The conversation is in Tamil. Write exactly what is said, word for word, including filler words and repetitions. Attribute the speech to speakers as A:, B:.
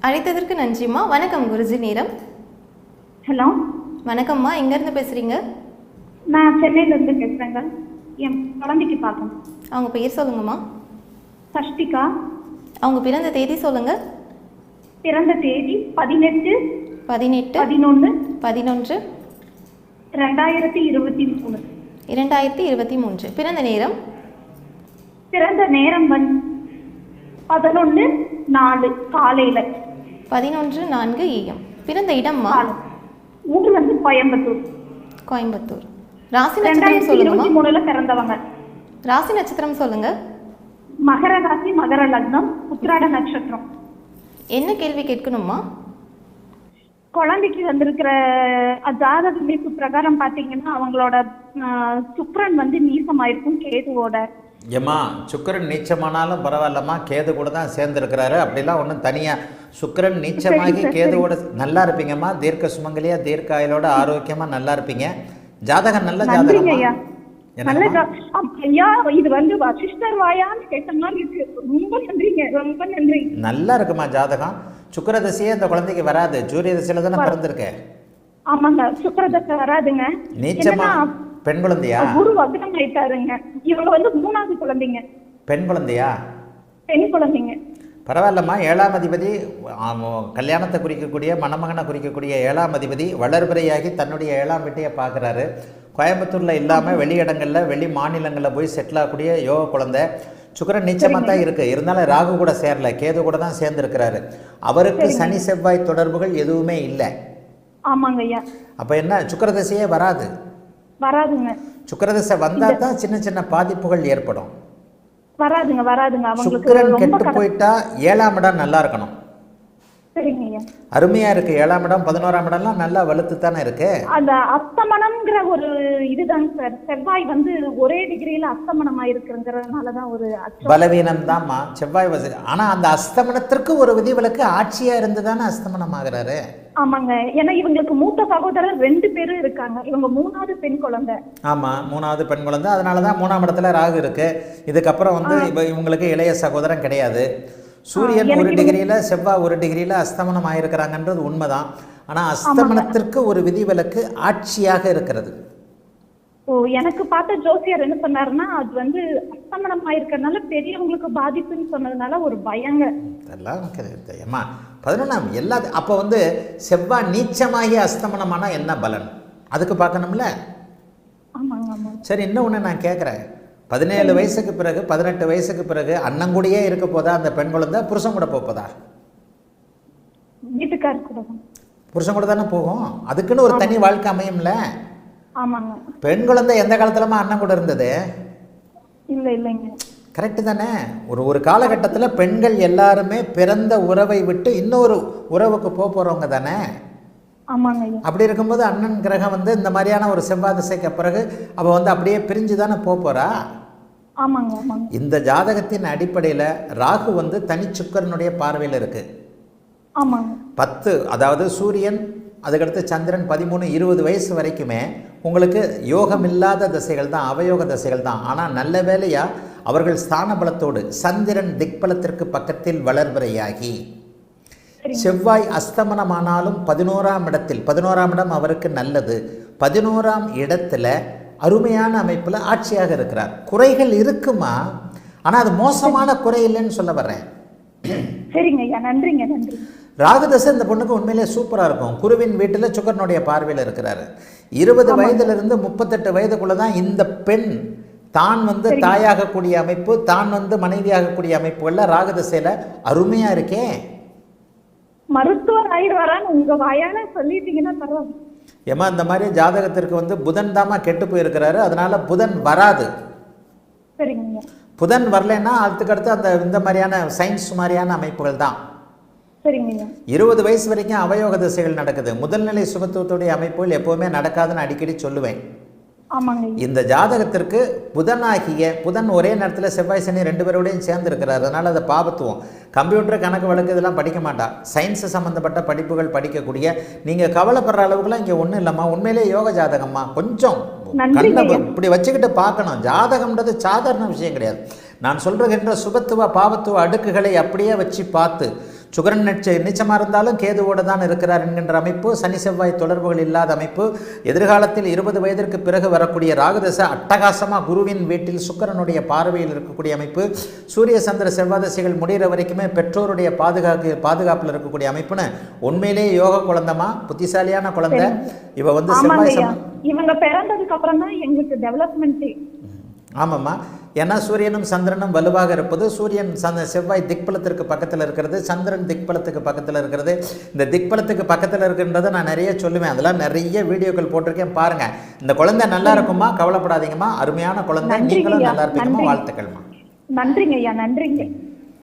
A: அழைத்ததற்கு நன்றிம்மா. வணக்கம் குருஜி நேரம்.
B: ஹலோ
A: வணக்கம்மா, எங்கேருந்து பேசுகிறீங்க?
B: நான் சென்னையிலேருந்து பேசுகிறேங்க. என் குழந்தைக்கு பார்க்கணும்.
A: அவங்க பேர் சொல்லுங்கம்மா.
B: சஷ்டிகா.
A: அவங்க பிறந்த தேதி சொல்லுங்கள்.
B: பிறந்த தேதி பதினெட்டு
A: பதினெட்டு
B: பதினொன்று
A: பதினொன்று
B: ரெண்டாயிரத்தி இருபத்தி மூணு
A: இரண்டாயிரத்தி இருபத்தி மூன்று. பிறந்த நேரம்?
B: பிறந்த நேரம் வந்து பதினொன்று நாலு காலையில்
A: பதினொன்று நான்கு ஏஎம். பிறந்த இடம்மா?
B: ஊர் வந்து கோயம்புத்தூர்.
A: கோயம்புத்தூர். ராசி நட்சத்திரம்
B: ரெண்டாயிரத்தி
A: சொல்லுங்கம்மா.
B: இருபத்தி மூணுல பிறந்தவங்க.
A: ராசி நட்சத்திரம் சொல்லுங்க.
B: மகர ராசி, மகர லக்னம், உத்திராட நட்சத்திரம்.
A: என்ன கேள்வி கேட்கணுமா?
B: குழந்தைக்கு வந்திருக்கிற ஜாதக அமைப்பு பிரகாரம் பார்த்தீங்கன்னா அவங்களோட சுக்கிரன் வந்து நீசமாயிருக்கும் கேதுவோட.
C: ஏம்மா, சுக்கிரன் நீச்சமானாலும் பரவாயில்லம்மா, கேது கூட தான் சேர்ந்துருக்கிறாரு. அப்படிலாம் ஒன்றும் தனியாக சுக்கிரன் நீச்சமாகி கேதுவோட நல்லா இருப்பீங்கம்மா. தீர்க்க சுமங்கலியா, தீர்க்க ஆயுளோட ஆரோக்கியமாக நல்லா இருப்பீங்க. ஜாதகம் நல்ல ஜாதகம்
B: ஐயா. இது வந்து வசிஷ்டர் வாயான்னு கேட்ட மாதிரி இருக்கு. ரொம்ப நன்றிங்க, ரொம்ப நன்றி.
C: நல்லா இருக்குமா ஜாதகம். சுக்கிர தசையே இந்த குழந்தைக்கு வராது. சூரிய தசையில தானே பிறந்திருக்கேன்.
B: ஆமாங்க, சுக்கிர தசை வராதுங்க.
C: நீச்சமா பெண் குழந்தையா?
B: குரு வக்ரம் ஆயிட்டாருங்க. இவங்க வந்து மூணாவது குழந்தைங்க.
C: பெண் குழந்தையா?
B: பெண் குழந்தைங்க.
C: பரவாயில்லம்மா. ஏழாம் அதிபதி கல்யாணத்தை குறிக்கக்கூடிய, மணமகனை குறிக்கக்கூடிய ஏழாம் அதிபதி வளர்பிறையாகி தன்னுடைய ஏழாம் வீட்டையை பார்க்குறாரு. கோயம்புத்தூரில் இல்லாமல் வெளி இடங்களில், வெளி மாநிலங்களில் போய் செட்டில் ஆகக்கூடிய யோக குழந்தை. சுக்கிரன் நீச்சமாக தான் இருக்குது. இருந்தாலும் ராகு கூட சேரல, கேது கூட தான் சேர்ந்துருக்கிறாரு. அவருக்கு சனி செவ்வாய் தொடர்புகள் எதுவுமே இல்லை.
B: ஆமாங்க ஐயா.
C: அப்போ என்ன, சுக்கிரதசையே வராது.
B: வராதுங்க.
C: சுக்கிரதசை வந்தால் தான் சின்ன சின்ன பாதிப்புகள் ஏற்படும்.
B: வராதுங்க வராதுங்க.
C: சுக்கிரன் கெட்டு போயிட்டா ஏழாம் இடம் நல்லா இருக்கணும்.
B: சரிங்க ஐயா.
C: அருமையா இருக்கு. ஏழாம் இடம், பதினோராம் இடம்லாம் நல்லா வலுத்து தானே இருக்கு.
B: அந்த அஸ்தமனம்ங்கிற ஒரு இதுதாங்க சார். செவ்வாய் வந்து ஒரே டிகிரியில அஸ்தமனம் ஆயிருக்குங்கிறதுனாலதான் ஒரு
C: பலவீனம் தான்மா செவ்வாய் வசதி. ஆனா அந்த அஸ்தமனத்திற்கு ஒரு விதிவிலக்கு ஆட்சியா இருந்து தானே அஸ்தமனம் ஆகுறாரு.
B: ஆமாங்க. ஏன்னா இவங்களுக்கு மூத்த சகோதரர் ரெண்டு பேரும் இருக்காங்க. இவங்க மூணாவது பெண் குழந்தை.
C: ஆமா, மூணாவது பெண் குழந்தை. அதனாலதான் மூணாம் இடத்துல ராகு இருக்கு. இதுக்கப்புறம் வந்து இவங்களுக்கு இளைய சகோதரன் கிடையாது. சூரியன் ஒரு டிகிரியில, செவ்வாய் ஒரு டிகிரியில அஸ்தமனம் ஆயிருக்கிறாங்கன்றது உண்மைதான். ஆனா அஸ்தமனத்திற்கு ஒரு விதிவிலக்கு ஆட்சியாக இருக்கிறது.
B: ஓ, எனக்கு பார்த்த ஜோசியர் என்ன சொன்னாருன்னா அது வந்து அஸ்தமனம் ஆயிருக்கிறதுனால பெரியவங்களுக்கு பாதிப்புன்னு சொன்னதுனால ஒரு பயங்க.
C: இதெல்லாம் ஏமா பதினொன்றாம் எல்லா. அப்போ வந்து செவ்வாய் நீச்சமாகி அஸ்தமனமானா என்ன பலன் அதுக்கு பார்க்கணும்ல.
B: ஆமாங்க ஆமாம்.
C: சரி, இன்னொன்று நான் கேட்குறேன். பதினேழு வயசுக்கு பிறகு, பதினெட்டு வயசுக்கு பிறகு அண்ணங்கூடயே இருக்க போதா அந்த பெண் குழந்தை? புருஷன் கூட போதா?
B: வீட்டுக்கார கூட.
C: புருஷன் கூட தானே போகும். அதுக்குன்னு ஒரு தனி வாழ்க்கை அமையும்ல.
B: ஆமாங்க.
C: பெண் குழந்தை எந்த காலத்துலமா அண்ணன் கூட இருந்தது?
B: இல்ல இல்லைங்க.
C: கரெக்டு தானே. ஒரு ஒரு காலகட்டத்தில் பெண்கள் எல்லாருமே பிறந்த உறவை விட்டு இன்னொரு உறவுக்கு போக போகிறவங்க தானே.
B: ஆமாங்க.
C: அப்படி இருக்கும்போது அண்ணன் கிரகம் வந்து இந்த மாதிரியான ஒரு செவ்வாய் திசைக்கு பிறகு அவள் வந்து அப்படியே பிரிஞ்சு தானே போக போகிறா.
B: ஆமாங்க ஆமாங்க.
C: இந்த ஜாதகத்தின் அடிப்படையில் ராகு வந்து தனி சுக்கிரனுடைய பார்வையில் இருக்கு.
B: ஆமாங்க.
C: பத்து, அதாவது சூரியன், அதுக்கடுத்து சந்திரன் பதிமூணு இருபது வயசு வரைக்குமே உங்களுக்கு யோகம் இல்லாத திசைகள் தான், அவயோக திசைகள் தான். ஆனால் நல்ல வேலையா அவர்கள் ஸ்தான பலத்தோடு சந்திரன் திக்பலத்திற்கு பக்கத்தில் வளர்வரையாகி செவ்வாய் அஸ்தமனமானாலும் பதினோராம் இடத்தில், பதினோராம் இடம் அவருக்கு நல்லது, பதினோராம் இடத்துல அருமையான அமைப்பில் ஆட்சியாக இருக்கிறார். குறைகள் இருக்குமா, ஆனால் அது மோசமான குறை இல்லைன்னு சொல்ல வர்றேன்.
B: சரிங்க ஐயா, நன்றிங்க நன்றி.
C: ராகுதசை இந்த பொண்ணுக்கு உண்மையிலே சூப்பராக இருக்கும். குருவின் வீட்டில் சுக்கரனுடைய பார்வையில் இருக்கிறாரு. இருபது வயதிலிருந்து முப்பத்தெட்டு வயதுக்குள்ள தான் இந்த பெண் தான் வந்து தாயாகக்கூடிய அமைப்பு, தான் வந்து மனைவியாகக்கூடிய அமைப்புகளில் ராகுதசையில் அருமையாக இருக்கே.
B: மருத்துவர் ஆயிடுவாரான்னு உங்க வாயால சொல்லிட்டீங்கன்னா பரவாயில்ல.
C: ஏமா, இந்த மாதிரி ஜாதகத்திற்கு வந்து புதன் தாமா கெட்டு போயிருக்கிறாரு. அதனால புதன் வராது.
B: சரிங்க.
C: புதன் வரலைன்னா அதுக்கடுத்து அந்த இந்த மாதிரியான சயின்ஸ் மாதிரியான அமைப்புகள் தான்.
B: சரிங்க.
C: இருபது வயசு வரைக்கும் அவயோக திசைகள் நடக்குது. முதல்நிலை சுபத்துவத்துடைய அமைப்புகள் எப்பவுமே நடக்காதுன்னு அடிக்கடி சொல்லுவேன்.
B: ஆமாங்க.
C: இந்த ஜாதகத்திற்கு புதனாகிய புதன் ஒரே நேரத்தில் செவ்வாய் சனி ரெண்டு பேரோடையும் சேர்ந்து இருக்கிறார். அதனால் அதை பாபத்துவம். கம்ப்யூட்டர், கணக்கு வழக்கு இதெல்லாம் படிக்க மாட்டா. சயின்ஸு சம்மந்தப்பட்ட படிப்புகள் படிக்கக்கூடிய நீங்கள் கவலைப்படுற அளவுக்குலாம் இங்கே ஒன்றும் இல்லைம்மா. உண்மையிலே யோக ஜாதகம்மா. கொஞ்சம் கண்ணை இப்படி வச்சுக்கிட்டு பார்க்கணும். ஜாதகம்ன்றது சாதாரண விஷயம் கிடையாது. நான் சொல்கின்ற சுபத்துவ பாவத்துவ அடுக்குகளை அப்படியே வச்சு பார்த்து சுக்கிரன் நிச்ச நிச்சயமாக இருந்தாலும் கேதுவோடு தான் இருக்கிறார் என்கின்ற அமைப்பு, சனி செவ்வாய் தொடர்புகள் இல்லாத அமைப்பு, எதிர்காலத்தில் இருபது வயதிற்கு பிறகு வரக்கூடிய ராகுதசை அட்டகாசமாக குருவின் வீட்டில் சுக்கிரனுடைய பார்வையில் இருக்கக்கூடிய அமைப்பு, சூரிய சந்திர செவ்வாய் தசைகள் முடிகிற வரைக்குமே பெற்றோருடைய பாதுகாப்பு பாதுகாப்பில் இருக்கக்கூடிய அமைப்புன்னு உண்மையிலேயே யோக குழந்தைமா, புத்திசாலியான குழந்தை. இவ வந்து செவ்வாய் சம
B: இவங்க பிறந்ததுக்கு அப்புறம் தான் எங்களுக்கு டெவலப்மெண்ட்டே.
C: ஆமாம்மா, ஏன்னா சூரியனும் சந்திரனும் வலுவாக இருப்பது, சூரியன் சந்த செவ்வாய் திக்பலத்திற்கு பக்கத்தில் இருக்கிறது, சந்திரன் திக்பலத்துக்கு பக்கத்தில் இருக்கிறது. இந்த திக்பலத்துக்கு பக்கத்தில் இருக்கின்றதை நான் நிறைய சொல்லுவேன், அதெல்லாம் நிறைய வீடியோக்கள் போட்டிருக்கேன் பாருங்கள். இந்த குழந்தை நல்லா இருக்குமா, கவலைப்படாதீங்கம்மா, அருமையான குழந்தை, நீங்களும் நல்லா இருப்பீங்கம்மா, வாழ்த்துக்கள்மா.
B: நன்றிங்க ஐயா, நன்றிங்க.